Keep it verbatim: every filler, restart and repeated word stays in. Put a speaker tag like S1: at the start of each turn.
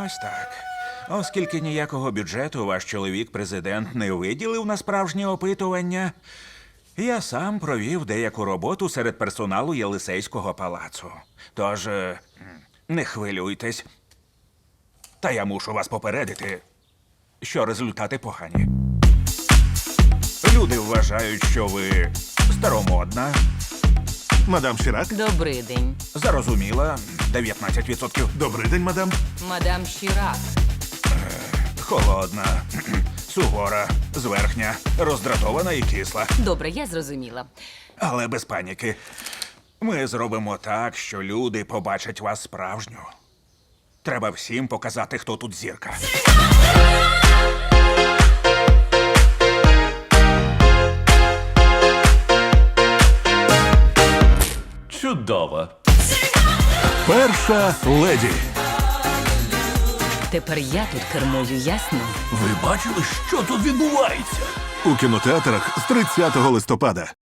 S1: Ось так. Оскільки ніякого бюджету ваш чоловік-президент не виділив на справжнє опитування, я сам провів деяку роботу серед персоналу Єлисейського палацу. Тож, е, не хвилюйтесь. Та я мушу вас попередити, що результати погані. Люди вважають, що ви старомодна,
S2: Мадам Шірак?
S3: Добрий день.
S1: зарозуміла, дев'ятнадцять відсотків,
S2: Добрий день, мадам.
S3: Мадам Шірак.
S1: холодна, сувора, зверхня, роздратована і кисла.
S3: Добре, я зрозуміла.
S1: Але без паніки. Ми зробимо так, що люди побачать вас справжню. Треба всім показати, хто тут зірка.
S4: Чудово.
S2: Перша леді.
S3: Тепер я тут кермую, ясно?
S4: Ви бачили, що тут відбувається?
S2: У кінотеатрах з тридцятого листопада.